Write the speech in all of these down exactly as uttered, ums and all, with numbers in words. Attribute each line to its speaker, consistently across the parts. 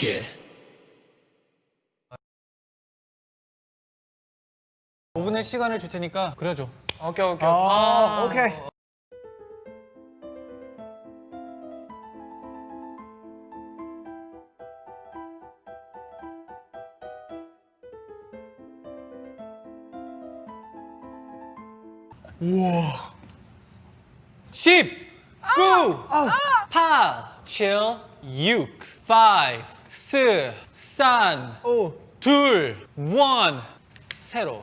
Speaker 1: it.
Speaker 2: 오 분의 시간을 줄 테니까 그려줘.
Speaker 3: 오케이 오케이.
Speaker 4: 아, 오케이.
Speaker 2: 십, 구, 팔, 칠, 육, 오, 사, 삼,
Speaker 4: 오.
Speaker 2: 둘, 일, 세로.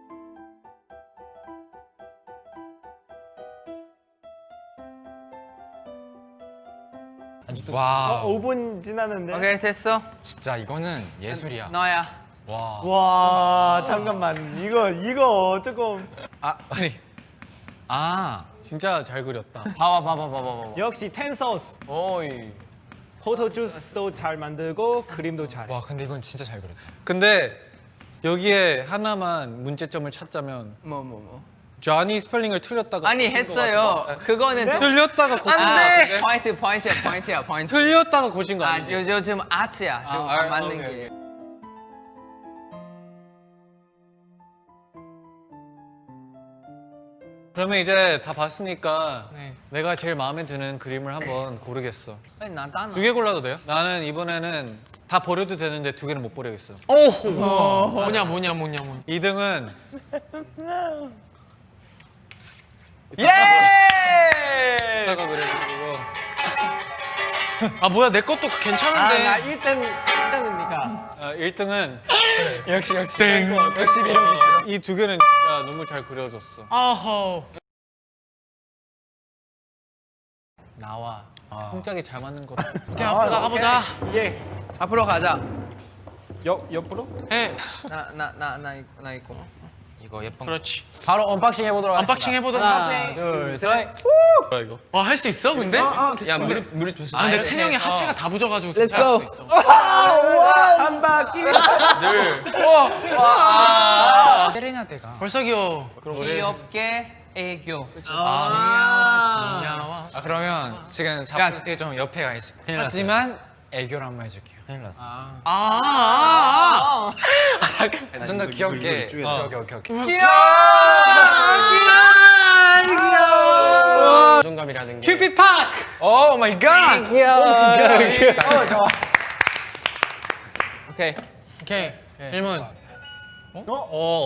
Speaker 3: 와.
Speaker 4: 오 분 지났는데.
Speaker 5: 오케이 됐어.
Speaker 3: 진짜 이거는 예술이야.
Speaker 5: 너야.
Speaker 3: 와.
Speaker 4: 와, 잠깐만. 이거 이거 조금
Speaker 3: 아 아니. 아.
Speaker 2: 진짜 잘 그렸다.
Speaker 5: 봐봐 봐봐 봐봐 봐봐.
Speaker 4: 역시 텐서스.
Speaker 5: 오이.
Speaker 4: 포토 주스도 잘 만들고 그림도 잘해.
Speaker 3: 와 근데 이건 진짜 잘 그렸다.
Speaker 2: 근데 여기에 하나만 문제점을 찾자면
Speaker 5: 뭐 뭐 뭐.
Speaker 2: 조니 스펠링을 틀렸다가
Speaker 5: 아니
Speaker 2: 고친 것
Speaker 5: 했어요.
Speaker 2: 같아.
Speaker 5: 그거는 좀.
Speaker 2: 틀렸다가 고친 것
Speaker 5: 아,
Speaker 2: 같은데?
Speaker 5: 포인트 포인트야 포인트야 포인트.
Speaker 2: 틀렸다가 고친 거
Speaker 5: 아
Speaker 2: 아니지?
Speaker 5: 요, 요즘 아트야. 좀
Speaker 2: 아, 알-
Speaker 5: 맞는
Speaker 2: 오케이,
Speaker 5: 게.
Speaker 2: 그러면 이제 다 봤으니까
Speaker 5: 네.
Speaker 2: 내가 제일 마음에 드는 그림을 한번 고르겠어.
Speaker 5: 아니 나다
Speaker 2: 두 개 골라도 돼요? 나는 이번에는 다 버려도 되는데 두 개는 못 버리겠어.
Speaker 5: 오호.
Speaker 3: 뭐냐 뭐냐 뭐냐 뭐냐.
Speaker 2: 이 등은
Speaker 3: 예!
Speaker 2: 이따가 그려주고
Speaker 3: 아 뭐야 내 것도
Speaker 4: 아, 나
Speaker 3: 괜찮은데.
Speaker 4: 일 등 일 등이니까.
Speaker 2: 어, 일 등은
Speaker 3: 역시 역시. 역시 매력 있어.
Speaker 2: 이 두 개는 진짜 너무 잘 그려줬어.
Speaker 3: 아허.
Speaker 2: 나와 홈짝이 잘 맞는 것.
Speaker 3: 오케이 앞으로 나가보자.
Speaker 4: 예.
Speaker 5: 앞으로 가자.
Speaker 4: 옆 옆으로?
Speaker 3: 해.
Speaker 5: 나 나 나 나 있고 나 있고.
Speaker 3: 이거 예쁜. 그렇지.
Speaker 4: 바로 언박싱 해보도록
Speaker 3: 언박싱 해보도록
Speaker 4: 하나, 둘, 셋.
Speaker 2: 뭐야 이거?
Speaker 3: 와 할 수 있어 근데?
Speaker 2: 야 무릎 무릎 조심.
Speaker 3: 아 근데 태영이 하체가 다 부져가지고
Speaker 5: Let's
Speaker 3: 괜찮을
Speaker 5: go.
Speaker 3: 수도 있어.
Speaker 4: 한 바퀴.
Speaker 3: 세레나데가 벌써 귀여워.
Speaker 5: 귀엽게 애교.
Speaker 3: 아, 귀여워. 아 그러면 지금 잡을 때 좀 옆에 가 있어. 하지만 애교를 한번 해줄게요. 큰일 났어. 아, 아, 아, 아. 잠깐. 좀 더 귀엽게. 어, 오케이, 오케이, 오케이. 귀여워. 귀여워. 자존감이라는 게.
Speaker 2: 큐피 파크.
Speaker 3: 오 마이 갓.
Speaker 4: 어, 좋아.
Speaker 5: 오케이.
Speaker 3: 오케이. 질문.
Speaker 2: 어?